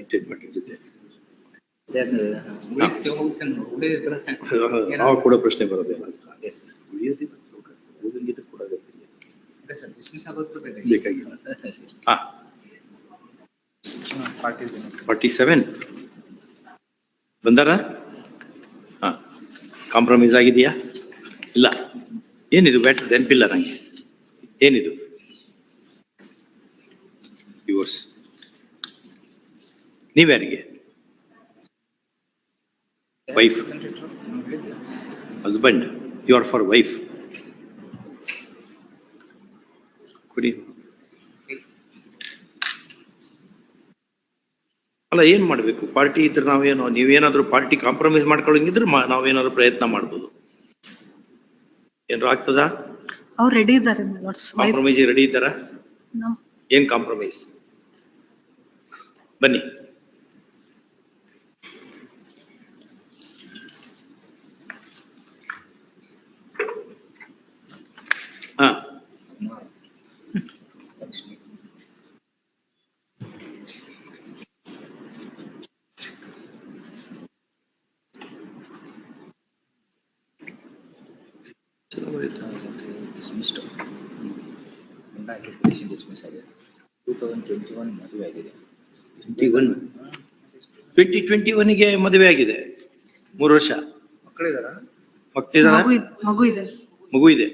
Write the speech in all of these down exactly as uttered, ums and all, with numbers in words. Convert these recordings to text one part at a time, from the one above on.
Maintain ಮಾಡಿರ್ತಿದ್ದೆ. ಉಳಿಯೋದಿಲ್ಲ ನಾವು ಕೂಡ ಪ್ರಶ್ನೆ ಬರೋದಿಲ್ಲ. ಉಳಿಯೋದಿಲ್ಲ ಓದಂಗಿದ್ರೆ ಕೂಡ ಬೇಕಾಗಿಲ್ಲ. ಹಾ ಫಾರ್ಟಿ ಸೆವೆನ್ ಬಂದಾರ. ಹಾ ಕಾಂಪ್ರಮೈಸ್ ಆಗಿದೆಯಾ? ಇಲ್ಲ. ಏನಿದು ಬ್ಯಾಟ್ರಿ ನೆನಪಿಲ್ಲ ನಂಗೆ. ಏನಿದು? ಡಿವೋರ್ಸ್ ನೀವ್ಯಾರಿಗೆ? Wife, husband, you are for wife. ಕೊಡಿ. ಅಲ್ಲ ಏನ್ ಮಾಡ್ಬೇಕು? ಪಾರ್ಟಿ ಇದ್ರೆ ನಾವೇನೋ, ನೀವೇನಾದ್ರೂ ಪಾರ್ಟಿ ಕಾಂಪ್ರಮೈಸ್ ಮಾಡ್ಕೊಳ್ಳಂಗಿದ್ರೆ ನಾವೇನಾದ್ರು ಪ್ರಯತ್ನ ಮಾಡ್ಬೋದು. ಏನಾದ್ರು ಆಗ್ತದಾ? ಅವ್ರು ರೆಡಿ ಇದ್ದಾರೆ. ಕಾಂಪ್ರಮೈಸ್ ರೆಡಿ ಇದ್ದಾರಾ? ಏನ್ ಕಾಂಪ್ರಮೈಸ್? ಬನ್ನಿ. ಹಾ ಟ್ವೆಂಟಿ ಟ್ವೆಂಟಿ ಒನ್ಗೆ ಮದುವೆ ಆಗಿದೆ. ಮೂರು ವರ್ಷ ಮಕ್ಕಳಿದಾರ? ಮಕ್ಕಳಿದಾರ? ಮಗು ಇದೆ. ಮಗು ಇದೆ.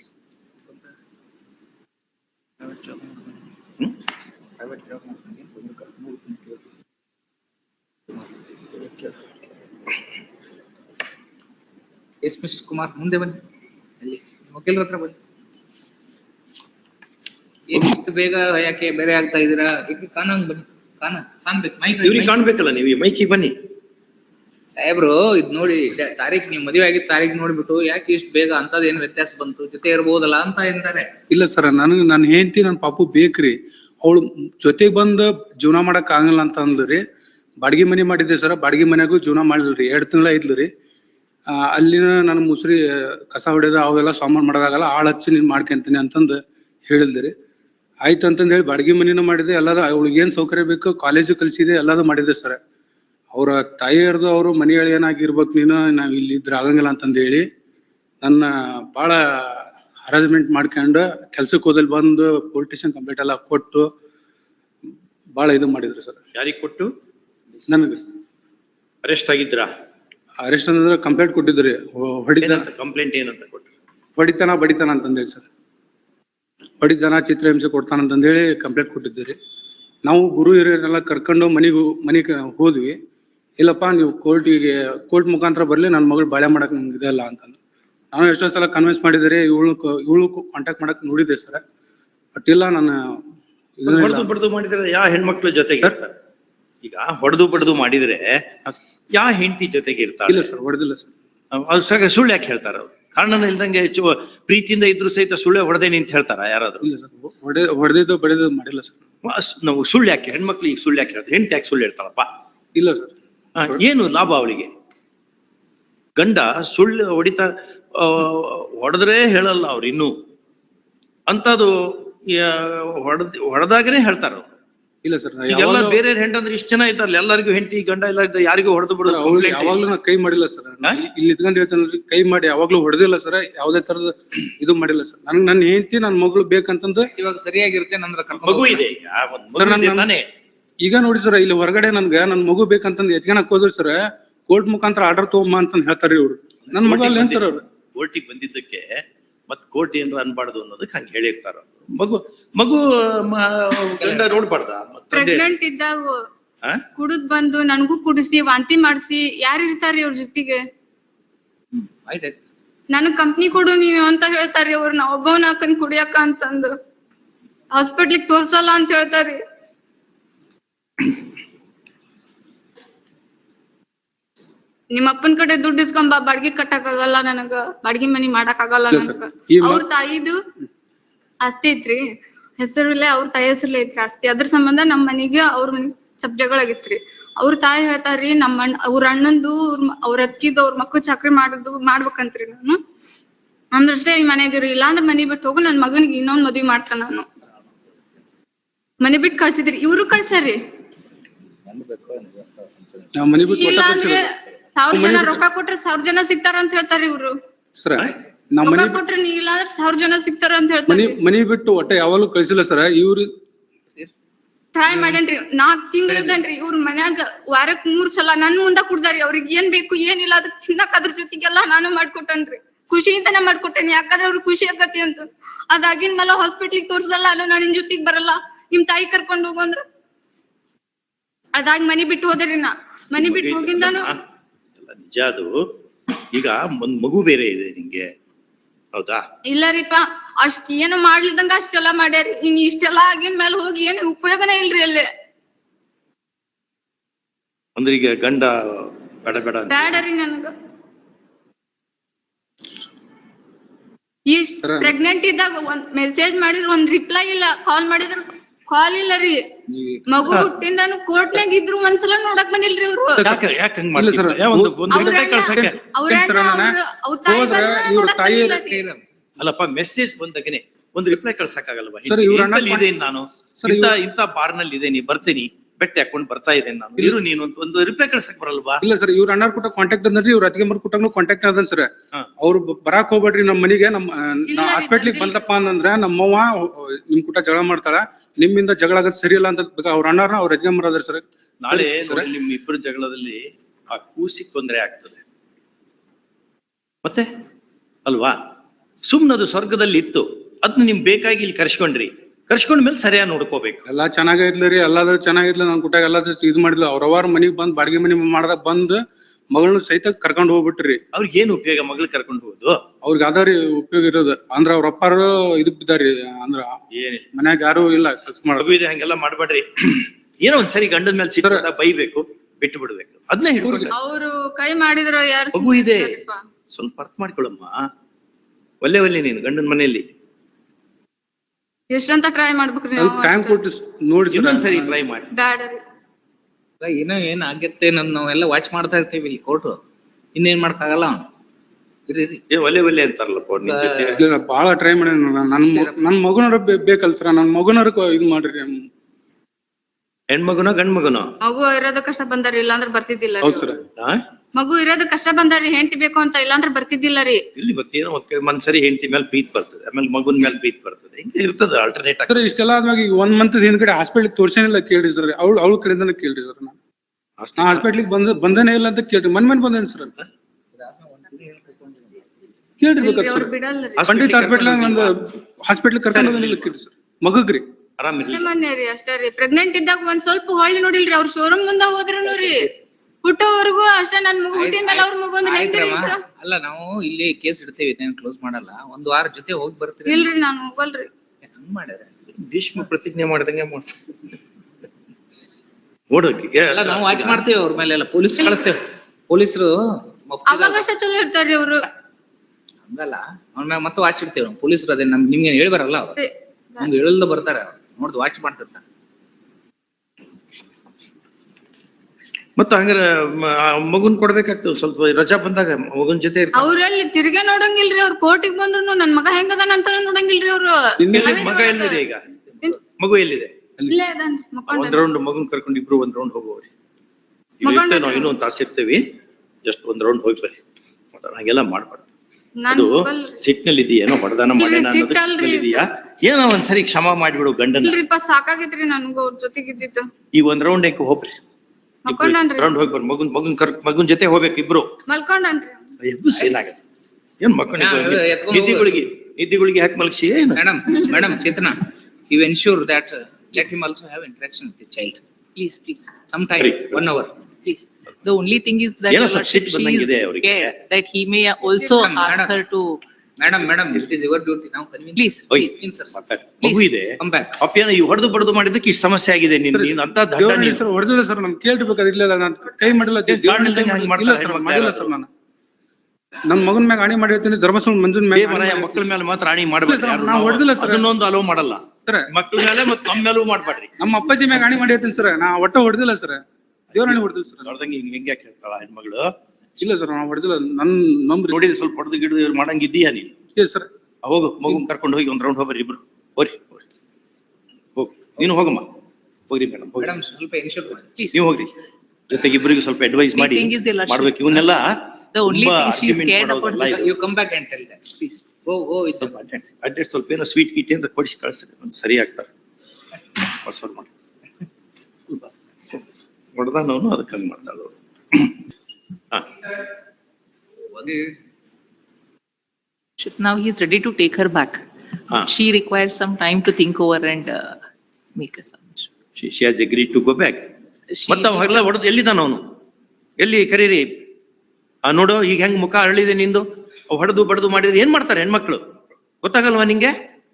ಎಸ್ ಮಿಸ್ಟರ್ ಕುಮಾರ್ ಮುಂದೆ ಬನ್ನಿ. ಅಲ್ಲಿ ವಕೀಲರ ಹತ್ರ ಬನ್ನಿ. ಎಷ್ಟು ಬೇಗ ಯಾಕೆ ಬೇರೆ ಆಗ್ತಾ ಇದೀರಾ? ಕಾನಂಗ್ ಬನ್ನಿ. ಕಾನ ಕಾಣ್ಬೇಕು. ಮೈಕ್ ಇವ್ರಿಗೆ ಕಾಣ್ಬೇಕಲ್ಲ, ನೀವು ಮೈಕಿಗೆ ಬನ್ನಿ. ಸಾಹೇಬ್ರು ಇದ್ ನೋಡಿ, ತಾರೀಖ್ ನೀವು ಮದುವೆ ಆಗಿದ್ದ ತಾರೀಖ್ ನೋಡ್ಬಿಟ್ಟು ಯಾಕೆ ಇಷ್ಟು ಬೇಗ ಅಂತದ್ ಏನ್ ವ್ಯತ್ಯಾಸ ಬಂತು, ಜೊತೆ ಇರ್ಬೋದಲ್ಲ ಅಂತ ಎಂತಾರೆ. ಇಲ್ಲ ಸರ್, ನನಗ್ ನನ್ ಹೆಂಡತಿ ನನ್ ಪಾಪು ಬೇಕ್ರಿ. ಅವಳು ಜೊತೆಗ್ ಬಂದ್ ಜೀವನ ಮಾಡಕ್ ಆಗಲ್ಲ ಅಂತ ಅಂದ್ರಿ. ಬಾಡಿಗೆ ಮನೆ ಮಾಡಿದ್ದೆ ಸರ್. ಬಾಡಿಗೆ ಮನೆಗೂ ಜೀವನ ಮಾಡಿಲ್ರಿ. ಎರಡ್ ತಿಂಗಳ ಐತ್ಲ್ರಿ. ಆ ಅಲ್ಲಿನ ನನ್ ಮುಸ್ರಿ ಕಸ ಹೊಡೆದ ಅವೆಲ್ಲ ಸಾಮಾನ್ ಮಾಡೋದಾಗಲ್ಲ, ಆಳ್ ಹಚ್ಚಿ ನೀನ್ ಮಾಡ್ಕೊಂತೀನಿ ಅಂತಂದ್ ಹೇಳಿದ್ರಿ. ಆಯ್ತು ಅಂತಂದ್ ಹೇಳಿ ಬಾಡಿಗೆ ಮನಿನ ಮಾಡಿದೆ. ಎಲ್ಲದ ಅವಳಿಗೆ ಏನ್ ಸೌಕರ್ಯ ಬೇಕು ಕಾಲೇಜು ಕಲ್ಸಿದೆ, ಎಲ್ಲಾದು ಮಾಡಿದೆ ಸರ್. ಅವ್ರ ತಾಯಿಯರ್ದು ಅವ್ರು ಮನೆಯಲ್ಲಿ ಏನಾಗಿರ್ಬೇಕು, ನೀನು ನಾವ್ ಇಲ್ಲಿ ಇದ್ರ ಆಗಂಗಿಲ್ಲ ಅಂತಂದ್ ಹೇಳಿ ನನ್ನ ಬಹಳ ಹರಾಜ್ಮೆಂಟ್ ಮಾಡ್ಕೊಂಡು ಕೆಲ್ಸಕ್ಕೆ ಹೋದಲ್ಲಿ ಬಂದು ಪೊಲೀಸ್ ಸ್ಟೇಷನ್ ಕಂಪ್ಲೇಂಟ್ ಎಲ್ಲ ಕೊಟ್ಟು ಬಹಳ ಇದು ಮಾಡಿದ್ರು ಸರ್. ಯಾರಿಗ್ ಕೊಟ್ಟು? ನನಗೆ ಅರೆಸ್ಟ್ ಆಗಿದ್ರಾ? ಅರೆಸ್ಟ್ ಅಂದ್ರೆ ಕಂಪ್ಲೇಂಟ್ ಕೊಟ್ಟಿದ್ರಿ. ಹೊಡಿತ ಕಂಪ್ಲೇಂಟ್ ಏನಂತ ಕೊಟ್ರು? ಹೊಡಿತಾನ ಬಡಿತಾನ ಅಂತಂದೇಳಿ ಸರ್. ಹೊಡಿತಾನ, ಚಿತ್ರಹಿಂಸೆ ಕೊಡ್ತಾನ ಅಂತಂದೇಳಿ ಕಂಪ್ಲೇಂಟ್ ಕೊಟ್ಟಿದ್ದೀರಿ. ನಾವು ಗುರು ಹಿರಿಯರೆಲ್ಲ ಕರ್ಕೊಂಡು ಮನಿಗೂ ಮನಿಗೆ ಹೋದ್ವಿ. ಇಲ್ಲಪ್ಪ ನೀವು ಕೋರ್ಟಿಗೆ ಕೋರ್ಟ್ ಮುಖಾಂತರ ಬರ್ಲಿ, ನನ್ನ ಮಗಳು ಬಾಳೆ ಮಾಡಕ್ ನಂಗೆ ಇದೆಲ್ಲ ಅಂತಂದು ನಾನು ಎಷ್ಟೋ ಸಲ ಕನ್ವಿನ್ಸ್ ಮಾಡಿದರೆ. ಇವಳು ಇವಳು ಕಾಂಟ್ಯಾಕ್ಟ್ ಮಾಡಕ್ ನೋಡಿದ್ದೆ ಸರ್. ಬಟ್ ಇಲ್ಲ, ನಾನು ಹೊಡೆದು ಬಡ್ದು ಮಾಡಿದ್ರೆ ಯಾವ ಹೆಣ್ಮಕ್ಳು ಜೊತೆಗೆ? ಈಗ ಹೊಡೆದು ಬಡ್ದು ಮಾಡಿದ್ರೆ ಯಾವ ಹೆಂಡತಿ ಜೊತೆಗೆ ಇರ್ತಾರೆ? ಇಲ್ಲ ಸರ್, ಹೊಡೆದಿಲ್ಲ ಸರ್. ಅದು ಸುಳ್ಳು ಯಾಕೆ ಹೇಳ್ತಾರ? ಅವ್ರು ಕಾರಣನ ಇಲ್ದಂಗೆ ಪ್ರೀತಿಯಿಂದ ಇದ್ರು ಸಹಿತ ಸುಳ್ಳೆ ಹೊಡೆದೇ ನಿಂತ ಹೇಳ್ತಾರ ಯಾರಾದ್ರು? ಇಲ್ಲ ಸರ್, ಹೊಡೆ ಹೊಡೆದಿದ್ದು ಬಡಿದು ಮಾಡಿಲ್ಲ ಸರ್. ನಾವು ಸುಳ್ಳು ಯಾಕೆ ಹೆಣ್ಮಕ್ಳು ಈಗ ಸುಳ್ಳು ಯಾಕೆ ಹೇಳ್ತಾರೆ? ಹೆಂಡತಿ ಯಾಕೆ ಸುಳ್ಳು ಹೇಳ್ತಾರಪ್ಪ? ಇಲ್ಲ ಸರ್. ಏನು ಲಾಭ ಅವಳಿಗೆ? ಗಂಡ ಸುಳ್ಳು ಹೊಡಿತಾ ಹೊಡೆದ್ರೆ ಹೇಳಲ್ಲ ಅವ್ರು ಇನ್ನು ಅಂತದು ಹೊಡೆದ ಹೊಡೆದಾಗನೇ ಹೇಳ್ತಾರ. ಇಲ್ಲ ಸರ್, ಎಲ್ಲ ಬೇರೆ ಹೆಂಡಂದ್ರೆ ಇಷ್ಟ ಜನ ಇದ್ದಾರಲ್ಲ, ಎಲ್ಲರಿಗೂ ಹೆಂಡತಿ ಗಂಡ ಎಲ್ಲ ಯಾರಿಗೂ ಹೊಡೆದು ಬಿಡೋದು. ಯಾವಾಗ್ಲೂ ನಾ ಕೈ ಮಾಡಿಲ್ಲ ಸರ್. ಇಲ್ಲಿ ಇದ್ಕೊಂಡು ಹೇಳ್ತಾನೆ ಕೈ ಮಾಡಿ ಯಾವಾಗ್ಲೂ ಹೊಡೆದಿಲ್ಲ ಸರ್. ಯಾವ್ದೇ ತರದ ಇದು ಮಾಡಿಲ್ಲ ಸರ್. ನನ್ಗೆ ನನ್ನ ಹೆಂಡತಿ ನನ್ನ ಮಗಳು ಬೇಕಂತಂದು ಇವಾಗ ಸರಿಯಾಗಿರುತ್ತೆ. ನಂದ್ರ ಮಗು ಇದೆ ಈಗ ನೋಡಿ ಸರ್, ಇಲ್ಲಿ ಹೊರಗಡೆ ನನ್ಗ ನನ್ ಮಗು ಬೇಕಂತಂದ್ ಎತ್ಕೊಳಕ್ ಹೋದ್ರು ಸರ್, ಕೋರ್ಟ್ ಮುಖಾಂತರ ಆರ್ಡರ್ ತಗೊಂಬ ಅಂತ ಹೇಳ್ತಾರೆ ಇವ್ರು. ನನ್ ಮಗ ಏನ್ ಸರ್ ಅವ್ರು ಕೋರ್ಟಿಗೆ ಬಂದಿದ್ದಕ್ಕೆ ಮತ್ ಕೋರ್ಟ್ ಏನ್ರ ಅನ್ಬಾರ್ದು ಅನ್ನೋದಕ್ಕೆ ಹಂಗ ಹೇಳಿರ್ತಾರ. ಮಗು ಮಗು ಗಂಡ ನೋಡ್ಬಾರ್ದ? ಪ್ರೆಗ್ನೆಂಟ್ ಇದ್ದಾಗ ಕುಡಿದ್ ಬಂದು ನನ್ಗೂ ಕುಡಿಸಿ ವಾಂತಿ ಮಾಡ್ಸಿ ಯಾರು ಇರ್ತಾರಿ ಅವ್ರ ಜೊತೆಗೆ? ಆಯ್ತಾಯ್ತು, ನನ್ ಕಂಪ್ನಿ ಕೊಡು ನೀವು ಅಂತ ಹೇಳ್ತಾರಿ ಅವ್ರು. ನಾ ಒಬ್ಬವನ್ ಹಾಕನ್ ಕುಡಿಯಕ ಅಂತಂದು ಹಾಸ್ಪಿಟ್ಲಿಗೆ ತೋರ್ಸಲ್ಲ ಅಂತ ಹೇಳ್ತಾರಿ. ನಿಮ್ಮ ಅಪ್ಪನ ಕಡೆ ದುಡ್ಡು ಇಸ್ಕೊಂಬ, ಬಾಡ್ಗಿ ಕಟ್ಟಕ್ ಆಗಲ್ಲ ನನಗ, ಬಾಡ್ಗಿ ಮನಿ ಮಾಡಕ್ ಆಗಲ್ಲ ನನಗ. ಅವ್ರ ತಾಯಿದು ಆಸ್ತಿ ಐತ್ರಿ, ಹೆಸರಲ್ಲೇ ಅವ್ರ ತಾಯಿ ಹೆಸರಲ್ಲೇ ಐತ್ರಿ ಆಸ್ತಿ. ಅದ್ರ ಸಂಬಂಧ ನಮ್ ಮನಿಗೆ ಅವ್ರ ಮನಿ ಸ್ವಲ್ಪ ಜಗಳಾಗಿತ್ರಿ. ಅವ್ರ ತಾಯಿ ಹೇಳ್ತಾರ್ರಿ, ನಮ್ಮ ಅಣ್ಣ ಅವ್ರ ಅಣ್ಣಂದು ಅವ್ರ ಅಕ್ಕಿದು ಅವ್ರ ಮಕ್ಳು ಚಾಕ್ರಿ ಮಾಡುದು ಮಾಡ್ಬೇಕಂತ್ರಿ. ನಾನು ಅಂದ್ರಷ್ಟೇ ಈ ಮನೆಗಿರಿ, ಇಲ್ಲಾಂದ್ರ ಮನಿ ಬಿಟ್ಟು ಹೋಗು, ನನ್ ಮಗನಿಗೆ ಇನ್ನೊಂದ್ ಮದ್ವಿ ಮಾಡ್ತಾನ. ನಾನು ಮನಿ ಬಿಟ್ಟು ಕಳ್ಸಿದ್ರಿ, ಇವ್ರು ಕಳ್ಸಾರಿ. ನಾವ್ ಮನಿ ಬಿಟ್ಟು ಇಲ್ಲ ಒಟ್ಟ ಅಂದ್ರೆ ಸಾವಿರ ಜನ ರೊಕ್ಕ ಕೊಟ್ರೆ ಸಾವಿರ ಜನ ಸಿಗ್ತಾರ ಅಂತ ಹೇಳ್ತಾರೆ ಇವ್ರು. ಸರ ನಾವ್ ರೊಕ್ಕ ಮನಿ ಕೊಟ್ರೆ ನೀ ಇಲ್ಲ ಅಂದ್ರೆ ಸಾವಿರ ಜನ ಸಿಗ್ತಾರ ಅಂತ ಮನಿ ಹೇಳ್ತಾರೆ. ಮನಿ ಬಿಟ್ಟು ಒಟ್ಟ ಯಾವಾಗ್ಲೂ ಕಳ್ಸಿಲ್ಲ ಸರ. ಇವ್ರು ಟ್ರೈ ಮಾಡೇನ್ರಿ ನಾಕ್ ತಿಂಗಳದನ್ರಿ ಇವ್ರ ಮನ್ಯಾಗ ವಾರಕ್ ಮೂರ್ ಸಲ ನನ್ ಮುಂದ ಕುಡ್ದಾರಿ. ಅವ್ರಿಗೆ ಏನ್ ಬೇಕು ಏನಿಲ್ಲ ಅದಕ್ ತಿನ್ನಕ್ ಅದ್ರ ಜೊತೆಗೆಲ್ಲಾ ನಾನು ಮಾಡ್ಕೊಟ್ಟನ್ರಿ. ಖುಷಿಯಿಂದನೇ ಮಾಡ್ಕೊಟ್ಟೇನಿ ಯಾಕಂದ್ರೆ ಅವ್ರಿಗೆ ಖುಷಿ ಆಗತಿ ಅಂತ. ಅದಾಗಿನ ಮೇಲೆ ಹಾಸ್ಪಿಟ್ಲಿಗೆ ತೋರ್ಸಲ್ಲ ನಾನು ನಿನ್ ಜೊತೆಗ್ ಬರಲ್ಲ ನಿಮ್ ತಾಯಿ ಕರ್ಕೊಂಡ್ ಹೋಗು ಅಂದ್ರ ಅದಾಗ್ ಮನಿ ಬಿಟ್ಟು ಹೋದ್ರಿ. ನಾ ಮನಿ ಬಿಟ್ಟು ಹೋಗಿಂದಾನು ನಿಜ ಅದು. ಈಗ ಒಂದ್ ಮಗು ಬೇರೆ ಇದೆ ನಿಂಗೆ, ಹೌದಾ? ಇಲ್ಲ ರೀಪ ಅಷ್ಟ್ ಏನು ಮಾಡ್ಲಿದಂಗ ಅಷ್ಟೆಲ್ಲಾ ಮಾಡ್ಯಾರಿ. ಇನ್ ಇಷ್ಟೆಲ್ಲಾ ಆಗಿನ ಮೇಲೆ ಹೋಗಿ ಏನು ಉಪಯೋಗನೇ ಇಲ್ರಿ ಅಲ್ಲಿ. ಅಂದ್ರೆ ಈಗ ಗಂಡ ಬೇಡ ಬೇಡ ಅಂತ ಬ್ಯಾಡರಿ ನನಗ. ಈ ಪ್ರೆಗ್ನೆಂಟ್ ಇದ್ದಾಗ ಒಂದ್ ಮೆಸೇಜ್ ಮಾಡಿದ್ರ ಒಂದ್ ರಿಪ್ಲೈ ಇಲ್ಲ, ಕಾಲ್ ಮಾಡಿದ್ರ ಕಾಲ್ ಇಲ್ಲ ರೀ. ಮಗು ಹುಟ್ಟಿಂದಾನು ಕೋರ್ಟ್ನಾಗ ಇದ್ರು ಒಂದ್ಸಲ ನೋಡಕ್ ಬಂದಿಲ್ರಿ ಅವ್ರು. ಯಾಕೆ ಯಾಕೆ ಹಂಗ್ ಇಲ್ಲ ಸರ್, ಮಾಡ್ತಿದ್ದೆ? ಒಂದು ಒಂದು ಅವ್ರ ಗಂಟೆ ಕಳ್ಸಕ್ಕೆ ಅವ್ರ ಸರ್, ನಾನು ಅವ್ರ ತಾಯಿ ಹೋದ್ರೆ ಬಂದ್ರೆ ಇವ್ರ ನೋಡಕ್ ತಾಯಿ- ಬಂದಿಲ್ಲ ರೀ. ಅಲ್ಲಪ್ಪ, ಮೆಸೇಜ್ ಬಂದಾಗನೆ ಒಂದು ರಿಪ್ಲೈ ಕಳ್ಸಕ್ಕಾಗಲ್ವಾ? ಸರ್, ಇವ್ರ ಅಣ್ಣ ಇಂತಲ್ಲಿ ಇದೇನ್ ನಾನು ಸರ್, ಇಂತ ಇವ್ರ- ಇಂತ ಬಾರ್ ನಲ್ಲಿ ಇದೇನಿ, ಬರ್ತೀನಿ, ಬೆಟ್ಟ ಹಾಕೊಂಡ್ ಬರ್ತಾ ಇದ್ದೇನೆ ನಾನು, ಇರು ನೀನು ಅಂತ ಒಂದು ರಿಪ್ಲೈ ಕಳ್ಸಕ್ ಬರಲ್ವಾ? ಇಲ್ಲ ಸರ್, ಇವ್ರ ಅಣ್ಣಾರ್ ಕೂಟ ಕಾಂಟ್ಯಾಕ್ಟ್ ಅಂದ್ರಿ, ಇವ್ರ ಅತ್ತಿಗೆಮ್ಮರ್ ಕೂಟನು ಕಾಂಟ್ಯಾಕ್ಟ್ ಅದನ್ ಸರ್. ಹಾ. ಅವ್ರು ಬರಾಕ್ ಹೋಗ್ಬೇಡ್ರಿ ನಮ್ ಮನಿಗೆ, ನಮ್ ಇಲ್ಲ ರೀ, ಹಾಸ್ಪಿಟ್ಲಿಗೆ ಬಂದಿಲ್ಲ. ಬಂದಪ್ಪ ಅಂತಂದ್ರ ನಮ್ಮವ್ವ ನಿಮ್ ಕೂಟ ಜಗಳ ಮಾಡ್ತಾಳ, ನಿಮ್ಮಿಂದ ಜಗಳ ಆಗದ್ ಸರಿ ಇಲ್ಲ ಅಂತ ಅವ್ರ ಅಣ್ಣಾರ್ನ ಅವ್ರ ಅತ್ತಿಗೆಮ್ಮರ್ ಅದಾರ ಸರ್. ನಾಳೆ ಸರ್, ನೋಡಿ ನಿಮ್ ಇಬ್ಬರು ಜಗಳದಲ್ಲಿ ಆ ಕೂಸಿಗೆ ತೊಂದರೆ ಆಗ್ತದೆ ಮತ್ತೆ ಅಲ್ವಾ? ಸುಮ್ನದು ಸ್ವರ್ಗದಲ್ಲಿ ಇತ್ತು, ಅದ್ನ ನಿಮ್ ಬೇಕಾಗಿ ಇಲ್ಲಿ ಕರ್ಸ್ಕೊಂಡ್ರಿ, ಕರ್ಸ್ಕೊಂಡ್ ಮೇಲೆ ಸರಿಯಾಗಿ ನೋಡ್ಕೋಬೇಕು. ಎಲ್ಲಾ ಚೆನ್ನಾಗೈತ್ಲಿ ರೀ, ಎಲ್ಲಾದ್ರು ಚೆನ್ನಾಗಿದ್ಲ ನನ್ ಕೂಟ ಎಲ್ಲಾದ್ರು ಇದ್ ಮಾಡಿದ್ಲ. ಅವ್ರವಾರ ಮನಿಗ್ ಬಂದ್ ಬಾಡಿಗೆ ಮನಿ ಮಾಡ್ದಾಗ ಬಂದ್ ಮಗಳನ್ನ ಸಹಿತ ಕರ್ಕೊಂಡ್ ಹೋಗ್ಬಿಟ್ರಿ. ಅವ್ರಿಗೆ ಏನ್ ಉಪಯೋಗ ಮಗಳು ಕರ್ಕೊಂಡು ಹೋಗೋದು? ಅವ್ರಿಗೆ ಅದಾರಿ ಉಪಯೋಗ ಇರೋದು. ಅಂದ್ರ ಅವ್ರ ಅಪ್ಪಾರು ಇದಕ್ ಬಿದ್ದಾರಿ, ಅಂದ್ರ ಏನಿಲ್ಲ, ಮನ್ಯಾಗ ಯಾರು ಇಲ್ಲ ಕೆಲ್ಸ ಮಾಡೋದು. ಮಗು ಇದೆ ಹಂಗೆಲ್ಲ ಮಾಡ್ಬೇಡ್ರಿ. ಏನೋ ಒಂದ್ಸರಿ ಗಂಡನ ಮೇಲೆ ಸಿಕ್ಕ ಬೈಬೇಕು, ಬಿಟ್ಟು ಬಿಡ್ಬೇಕು, ಅದನ್ನೇ ಹಿಡ್ಕೊಂಡ್ರೆ. ಅವ್ರು ಕೈ ಮಾಡಿದ್ರ ಯಾರು ಮಗು ಇದೆ, ಸ್ವಲ್ಪ ಅರ್ಥ ಮಾಡ್ಕೊಳಮ್ಮ. ಒಲ್ಲೆ ಒಲ್ಲೆ ನೀನು ಗಂಡನ ಮನೆಯಲ್ಲಿ ಎಷ್ಟಂತ ಟ್ರೈ ಮಾಡ್ಬೇಕ್ರಿ ಅದಕ್ಕೆ ನಾವು ಟೈಮ್ ಅಷ್ಟೇ. ಕೊಟ್ಟು ನೋಡಿ ಸರ್. ಇನ್ನೊಂದ್ಸರಿ ಟ್ರೈ ಮಾಡಿ. ಬ್ಯಾಡರಿ. ಏನೋ ಏನ್ ಆಗತ್ತೆ ನನ್ ನಾವೆಲ್ಲ ವಾಚ್ ಮಾಡ್ತಾ ಇರ್ತೀವಿ ಇಲ್ಲಿ ಕೋರ್ಟ್. ಇನ್ನೇನ್ ಮಾಡಕ್ಕಾಗಲ್ಲ ಅವ್ನು. ಇರಿ ಇರಿ. ಏ ಒಲ್ಲೆ ಒಲ್ಲೆ ಅಂತಾರಲ್ಲಪ್ಪ ನಿಮ್ ಜೊತೆ. ಇಲ್ಲ, ಬಾಳ ಟ್ರೈ ಮಾಡಿ ನನ್ ನನ್ ಮಗುನರ ಬೇಕಲ್ ಸರ್, ನನ್ ಮಗುನರ ಇದ್ ಮಾಡ್ರಿ. ಹೆಣ್ಮಗುನೋ ಗಂಡ್ ಮಗುನೋ? ಮಗು ಇರೋದ ಕಷ್ಟ ಬಂದಾರಿ, ಇಲ್ಲಾಂದ್ರ ಬರ್ತಿದ್ದಿಲ್ಲ ರೀ. ಹೌದ್ ಸರ್. ಆ? ಮಗು ಇರೋದ ಕಷ್ಟ ಬಂದಾರಿ, ಹೆಂಡತಿ ಬೇಕು ಅಂತ, ಇಲ್ಲಾಂದ್ರ ಬರ್ತಿದ್ದಿಲ್ಲ ರೀ. ಇಲ್ಲಿ ಮತ್ತೆ ಏನೋ ಒಂದ್ ಕಡೆ ಮನ್ಸರಿ ಹೆಂಡತಿ ಮೇಲೆ ಪ್ರೀತಿ ಬರ್ತದೆ, ಆಮೇಲೆ ಮಗುನ್ ಮೇಲೆ ಪ್ರೀತಿ ಬರ್ತದೆ, ಹಿಂಗೆ ಇರ್ತದೆ ಆಲ್ಟರ್ನೇಟ್ ಆಗಿ. ಸರ್ ಇಷ್ಟೆಲ್ಲ ಆದ್ಮೇಲೆ ಈಗ ಒಂದ್ ಮಂತ್ ಹಿಂದ್ಗಡೆ ಹಾಸ್ಪಿಟ್ಲಿಗೆ ತೋರ್ಸೇನಿಲ್ಲ, ಕೇಳ್ರಿ ಸರ್. ಅವ್ಳು ಅವಳ ಕಡೆಯಿಂದನೇ ಕೇಳ್ರಿ ಸರ್. ನಾ ನಾ ಹಾಸ್ಪಿಟ್ಲಿಗೆ ಬಂದ ಬಂದೇನೇ ಇಲ್ಲ ಅಂತ ಕೇಳ್ರಿ. ಮನ್ ಮನ್ ಬಂದೇನಿ ಸರ್. ಕೇಳ್ರಿ ಬೇಕಾದ್ರೆ ಅವ್ರು ಸರ್. ಬಿಡಲ್ರಿ. ಪಂಡಿತ್ ಹಾಸ್ಪಿಟ್ಲ್ ಒಂದು ಹಾಸ್ಪಿಟ್ಲ್ ಕರ್ಕೊಂಡು ಬಂದಿಲ್ಲ ಕೇಳ್ರಿ ಸರ್. ಮಗಗ್ರಿ ಆರಾಮಿರ್ಲಿ. ಮೊನ್ನೆ ರೀ ಅಷ್ಟೇ ರೀ, ಪ್ರೆಗ್ನೆಂಟ್ ಇದ್ದಾಗ ಒಂದ್ ಸ್ವಲ್ಪ ಹೊಳ್ಳಿ ನೋಡಿಲ್ರಿ. ಅವ್ರ ಶೋರೂಮ್ ಮುಂದ ಹೋದ್ರುನು ರೀ ಹುಟ್ಟೋವರೆಗೂ ಅಷ್ಟೇ. ನನ್ ಮಗು ಹುಟ್ಟಿದ ಮೇಲೆ ಅವ್ರ ಮಗು ಅಂದ್ರೆ ಹೆಂಗ್ರಿ ಆಯ್ತ್ರಮ್ಮ. ಇದು? ಅಲ್ಲ ನಾವು ಇಲ್ಲಿ ಕೇಸ್ ಇಡ್ತೇವೆ, ಇದೇನ್ ಕ್ಲೋಸ್ ಮಾಡಲ್ಲ. ಒಂದ್ ವಾರ ಜೊತೆ ಹೋಗಿ ಬರ್ತೀವಿ. ಇಲ್ರಿ ನಾನ್ ಹೋಗಲ್ರಿ. ಹಂಗ್ ಮಾಡ್ಯಾರ. ಭೀಷ್ಮ ಪ್ರತಿಜ್ಞೆ ಮಾಡಿದಂಗೆ ಮಾಡ್ತಾರೆ ನೋಡೋಕೆ. ಅಲ್ಲ ನಾವು ವಾಚ್ ಮಾಡ್ತೇವೆ ಅವ್ರ ಮೇಲೆ ಎಲ್ಲ. ಪೊಲೀಸ್ ಕಳಿಸ್ತೇವೆ. ಪೊಲೀಸರು ಅವಾಗಷ್ಟ ಚಲೋ ಇರ್ತಾರ್ರಿ ಅವ್ರು. ಹಂಗಲ್ಲ, ಅವ್ರ ಮ್ಯಾಗ ಮತ್ತೆ ವಾಚ್ ಇಡ್ತೇವೆ. ಪೊಲೀಸರು ಅದೇ ನಮ್ ನಿಮ್ಗೆ ಹೇಳಿ ಬರಲ್ಲ ಅವ್ರು. ನಮ್ದು ಹೇಳಲ್ದ ಬರ್ತಾರೆ ಅವ್ರು. ನೋಡ್ದು ವಾಚ್ ಮಾಡ್ತಿರ್ತಾರೆ. ಮತ್ತ ಹಂಗಾರ ಮಗುನ್ ಕೊಡ್ಬೇಕಾಗ್ತದೆ, ಸ್ವಲ್ಪ ರಜಾ ಬಂದಾಗ ಮಗುನ್ ಜೊತೆ ಇರ್ತಾರೆ. ಅವ್ರಲ್ಲಿ ತಿರ್ಗಾ ನೋಡಂಗಿಲ್ರಿ. ಅವ್ರ ಕೋರ್ಟಿಗೆ ಬಂದ್ರು ನನ್ ಮಗ ಹೆಂಗದಾನ ಅಂತ ನೋಡಂಗಿಲ್ರಿ ಅವ್ರು. ಎಲ್ಲಿ ಮಗ ಎಲ್ಲಿದೆ ಈಗ? ಮಗು ಎಲ್ಲಿದೆ? ಇಲ್ಲೇ ಅದಾನ್ರಿ ಮಕ್ಕೊಂಡ. ಒಂದ್ ರೌಂಡ್ ಮಗುನ್ ಕರ್ಕೊಂಡು ಇಬ್ರು ಒಂದ್ ರೌಂಡ್ ಹೋಗೋರಿ. ನಾವು ಇನ್ನೂ ಒಂದ್ ತಾಸು ಇರ್ತೇವಿ, ಜಸ್ಟ್ ಒಂದ್ ರೌಂಡ್ ಹೋಗಿ ಬರ್ರಿ. ಹಂಗೆಲ್ಲ ಮಾಡ್ಬಾರ್ದು. ನಾನ್ ಅದು ಹೋಗಲ್ರಿ. ಸಿಟ್ನಲ್ಲಿ ಇದೆಯಾ, ಏನೋ ಹೊಡೆದಾನ ಮಾಡ್ಯಾನ ಅನ್ನೋದು ಸಿಟ್ಟಲ್ರಿ. ಇದೆಯಾ, ಏನೋ ಒಂದ್ಸರಿ ಕ್ಷಮ ಮಾಡ್ಬಿಡು ಗಂಡನ. ಇಲ್ರಿಪ್ಪ ಸಾಕಾಗೈತ್ರಿ ನನ್ಗೂ ಅವ್ರ ಜೊತೆಗೆ ಇದ್ದಿದ್ದು. ಈ ಒಂದ್ ರೌಂಡ್ ಯಾಕೆ ಹೋಗ್ರಿ, ಮಕ್ಕೊಂಡನ್ರಿ. ರೌಂಡ್ ಹೋಗಿ ಬರ್ರಿ. ಮಗುನ್ ಮಗುನ್ ಕರ್ ಮಗುನ್ ಜೊತೆ ಹೋಗ್ಬೇಕು ಇಬ್ರು. ಮಲ್ಕೊಂಡನ್ರಿ. ಎದ್ದು ಏನಾಗತ್ತೆ? ಏನ್ ಮಕ್ಕಳಿಗೆ ನಾ ಎತ್ಕೊಂಡ್ ನಿದ್ದಿಗಳಿಗೆ ನಿದ್ದಿಗಳಿಗೆ ಹಾಕಿ ಮಲಗಿಸಿ ಏನು? Madam, madam, Chetna, you ensure that uh, let him also have interaction with the child. Please, please, sometime, Sorry, one hour. Please. The only thing is that ಏನೋ your ಸ್ವಲ್ಪ lordship, ಸಿಟ್ಟು she ಬಂದಂಗೆ is ಇದೆ ಅವ್ರಿಗೆ. scared that he may also Madam, ask madam. her to. Madam, madam, it is your duty now. Convince. Please, ಓಯ್, please. insert. ಮಾತಾಡು. Please, ಮಗು ಇದೆ, come back. ಅಪ್ಪೇನ ಈ ಹೊಡೆದು ಬಡದು ಮಾಡಿದ್ದಕ್ಕೆ ಇಷ್ಟು ಸಮಸ್ಯೆ ಆಗಿದೆ. ನೀನ್ ನೀನ್ ಅಂತ ದಡ್ಡ ದೇವ್ರ ನೀನು. ಸರ್ ಹೊಡೆದಿಲ್ಲ ಸರ್. ನಮ್ ಕೇಳ್ಬೇಕಾದ್ರೆ ಇಲ್ಲ ನಾನು ಕೈ ಮಾಡಿಲ್ಲ. ಏನ್ ದೇವ್ರ ಕಾರಣಕ್ಕೆ ಕೈ ಹಂಗ್ ಮಾಡಿಲ್ಲ ಮಾಡ್ತಾರೆ ಸರ್, ಹೆಣ್ಮಕ್ಳು ಮಾಡಿಲ್ಲ ಯಾರಾದ್ರು? ಸರ್. ನಾನು ನನ್ ಮಗನ್ ಮ್ಯಾಗ ಆಣಿ ಮಾಡಿರ್ತೀನಿ, ಧರ್ಮಸ್ಥಳ ಮಂಜುನ್ ಏ ಮ್ಯಾಗ ಮರ ಮಕ್ಕಳ ಮೇಲೆ ಮಾತ್ರ ರಾಣಿ ಮಾಡ್ಬೇಡ್ರಿ. ಇಲ್ಲ ಸರ್, ಯಾರು ನಾವು ಹೊಡ್ದಿಲ್ಲ ಸರ್. ಅದನ್ನೊಂದು ಅಲೋ ಮಾಡಲ್ಲ. ಸರ್ ಮಕ್ಕಳ ಮೇಲೆ ಮತ್ ನಮ್ಮ ಮೇಲೂ ಮಾಡ್ಬೇಡ್ರಿ. ನಮ್ಮ ಅಪ್ಪಾಜಿ ಮ್ಯಾಗ ಆಣಿ ಮಾಡಿರ್ತೀನಿ ಸರ್. ನಾ ಒಟ್ಟ ಹೊಡೆದಿಲ್ಲ ಸರ್. ದೇವ್ರ ಆಣಿ ಹೊಡೆದಿಲ್ಲ ಸರ್. ನೋಡ್ದಂಗೆ ಹಿಂಗ್ ಹೆಂಗೆ ಹೇಳ್ತಾಳ ಹೆಣ್ಮಗಳು? ಇಲ್ಲ ಸರ್, ನಾವು ಹೊಡೆದಿಲ್ಲ. ನನ್ ನಂಬ್ರಿ ನೋಡಿದ್ರೆ ಸ್ವಲ್ಪ ಹೊಡೆದು ಗಿಡ ಮಾಡಂಗ್ ಇದೀಯಾ ನೀನು? ಇಲ್ಲ ಸರ್. ಹೋಗು, ಮಗುನ್ ಕರ್ಕೊಂಡು ಹೋಗಿ ಒಂದ್ ರೌಂಡ್ ಹೋಗ್ರಿ ಇಬ್ರು. ಹೋರಿ ಹೋರಿ ಹೋಗ್, ನೀನು ಹೋಗಮ್ಮ. ಹೋಗ್ರಿ ಮೇಡಮ್ ಹೋಗ್ರಿ ಮೇಡಮ್ ಸ್ವಲ್ಪ ಇನ್ಶೂರ್ ಮಾಡಿ ಪ್ಲೀಸ್. ನೀವು ಹೋಗ್ರಿ ಜೊತೆಗೆ ಇಬ್ಬರಿಗೂ ಸ್ವಲ್ಪ ಅಡ್ವೈಸ್ The ಮಾಡಿ thing is, Your Lordship, ಮಾಡ್ಬೇಕು ಇವನ್ನೆಲ್ಲ the only ತುಂಬಾ thing she is argument scared about ಮಾಡೋದಲ್ಲ this- ಇದು. You come back and tell that please. Go go with ಸ್ವಲ್ಪ ಅಡ್ಡೆಡ್ ಅಡ್ಡೆಡ್ ಸ್ವಲ್ಪ ಏನೋ ಸ್ವೀಟ್ ಗೀಟ್ ಏನಾರ ಕೊಡಿಸಿ ಕಳಿಸ್ರಿ ಒಂದು ಸರಿ ಆಗ್ತಾರೆ ಹೊಸವ್ರು ಮಾಡಿ ಹೊಡೆದಾನವನು ಅದಕ್ಕೆ ಹಂಗೆ ಮಾಡ್ತಾಳು ಹಾ Now he is ready to take her back. Ah. She requires some time to think over and uh, make a submission. she she has agreed to go back. She ಮತ್ತೆ needs ಹೊರಲ್ಲ ಹೊಡೆದು ಎಲ್ಲಿದ್ದಾನ ಅವನು ಎಲ್ಲಿ ಕರೀರಿ ಆ ನೋಡು ಈಗ ಹೆಂಗ್ ಮುಖ ಅರಳಿದೆ ನಿಂದು ಹೊಡೆದು ಬಡದು ಮಾಡಿದ್ರೆ ಏನ್ ಮಾಡ್ತಾರೆ ಹೆಣ್ಮಕ್ಳು ಗೊತ್ತಾಗಲ್ವಾ ನಿಂಗೆ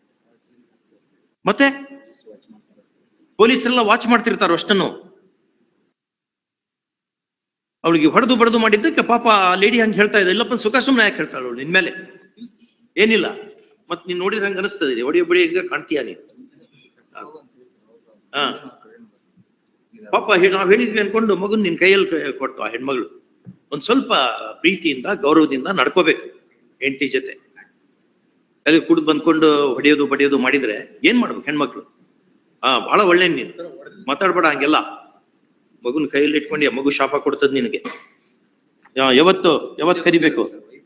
ಮತ್ತೆ ಪೊಲೀಸರೆಲ್ಲ ವಾಚ್ ಮಾಡ್ತಿರ್ತಾರ ಅಷ್ಟನ್ನು ಅವಳಿಗೆ ಹೊಡೆದು ಬಡದು ಮಾಡಿದ್ದಕ್ಕೆ ಪಾಪ ಲೇಡಿ ಹಂಗೆ ಹೇಳ್ತಾ ಇದ್ದ ಇಲ್ಲಪ್ಪ ಸುಖ ಸುಮ್ಮನೆ ಯಾಕೆ ಹೇಳ್ತಾಳು ಅವಳು ನಿನ್ಮೇಲೆ ಏನಿಲ್ಲ ಮತ್ ನೀನ್ ನೋಡಿದ್ರೆ ಹಂಗ ಅನಿಸ್ತದೆ ಒಡಿ ಒಬ್ಬಡಿ ಈಗ ಕಾಣ್ತೀಯ ನೀನು ಹಾ ಪಾಪ ನಾವ್ ಹೇಳಿದ್ವಿ ಅನ್ಕೊಂಡು ಮಗನ್ ನಿನ್ ಕೈಯಲ್ಲಿ ಕೊಟ್ಟು ಆ ಹೆಣ್ಮಗಳು ಒಂದ್ ಸ್ವಲ್ಪ ಪ್ರೀತಿಯಿಂದ ಗೌರವದಿಂದ ನಡ್ಕೋಬೇಕು ಹೆಂಡತಿ ಜೊತೆ ಅಲ್ಲಿ ಕುಡ್ದು ಬಂದ್ಕೊಂಡು ಹೊಡೆಯೋದು ಬಡಿಯೋದು ಮಾಡಿದ್ರೆ ಏನ್ ಮಾಡ್ಬೇಕು ಹೆಣ್ಮಕ್ಳು ಹಾ ಬಹಳ ಒಳ್ಳೆ ನೀನು ಮಾತಾಡ್ಬೇಡ ಹಂಗೆಲ್ಲ ಮಗುನ್ ಕೈಯಲ್ಲಿ ಇಟ್ಕೊಂಡು ಮಗು ಶಾಪ ಕೊಡ್ತದ ನಿನಗೆ ಯಾವತ್ತು ಯಾವತ್ ಕರಿಬೇಕು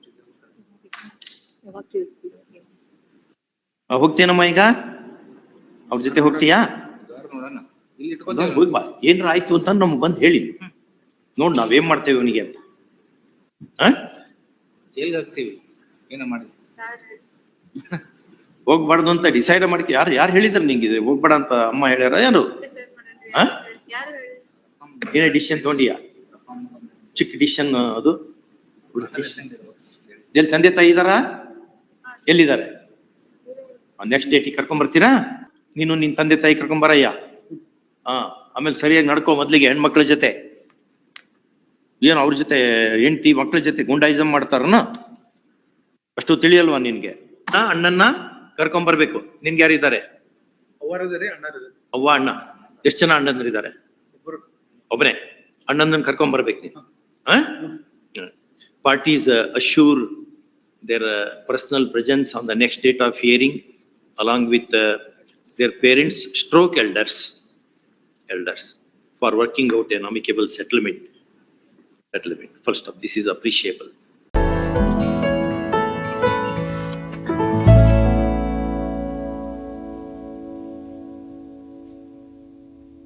ಹೋಗ್ತೇನಮ್ಮ ಈಗ ಅವ್ರ ಜೊತೆ ಹೋಗ್ತೀಯಾ ನೋಡೋಣ ಇಲ್ಲಿ ಹೋಗ್ ಬಾ ಏನ್ರ ಆಯ್ತು ಅಂತ ನಮ್ಗೆ ಬಂದ್ ಹೇಳಿ ನೋಡ್ ನಾವೇನ್ ಮಾಡ್ತೇವೆ ಇವನಿಗೆ ಅಂತ ಹ ಜೈಲ್ಗೆ ಹಾಕ್ತೀವಿ ಏನ ಮಾಡಿ ಹೋಗ್ಬಾರ್ದು ಅಂತ ಡಿಸೈಡ್ ಮಾಡ್ಕೊ ಯಾರು ಯಾರು ಹೇಳಿದಾರೆ ನಿಂಗಿದೆ ಹೋಗ್ಬೇಡ ಅಂತ ಅಮ್ಮ ಹೇಳ್ಯಾರ ಯಾರು ಹ ಏನೇ ಡಿಸಿಷನ್ ತಗೊಂಡಿಯಾ ಚಿಕ್ಕ ಡಿಸಿಷನ್ ಅದು ಎಲ್ಲಿ ತಂದೆ ತಾಯಿ ಇದಾರ ಎಲ್ಲಿದ್ದಾರೆ ನೆಕ್ಸ್ಟ್ ಡೇಟಿಗೆ ಕರ್ಕೊಂಡ್ ಬರ್ತೀರಾ ನೀನು ನಿನ್ ತಂದೆ ತಾಯಿ ಕರ್ಕೊಂಡ್ ಬರಯ್ಯ ಹಾ ಆಮೇಲೆ ಸರಿಯಾಗಿ ನಡ್ಕೋ ಮೊದ್ಲಿಗೆ ಹೆಣ್ಮಕ್ಳ ಜೊತೆ ಏನು ಅವ್ರ ಜೊತೆ ಹೆಂಡತಿ ಮಕ್ಳ ಜೊತೆ ಗುಂಡಾಯಿಸಮ್ ಮಾಡ್ತಾರನ ಅಷ್ಟು ತಿಳಿಯಲ್ವಾ ನಿನ್ಗೆ ಹಾ ಅಣ್ಣನ್ನ ಕರ್ಕೊಂಡ್ ಬರ್ಬೇಕು ನಿನ್ಗೆ ಯಾರಿದ್ದಾರೆ ಅವ್ವ ಅಣ್ಣ ಎಷ್ಟ್ ಜನ ಅಣ್ಣಂದ್ರಿದ್ದಾರೆ ಒಬ್ಬನೇ ಅಣ್ಣಂದನ್ ಕರ್ಕೊಂಡ್ ಬರ್ಬೇಕು ನೀನು parties assure their uh, personal presence on the next date of hearing along with uh, their parents stroke elders elders for working out an amicable settlement settlement first of this is appreciable.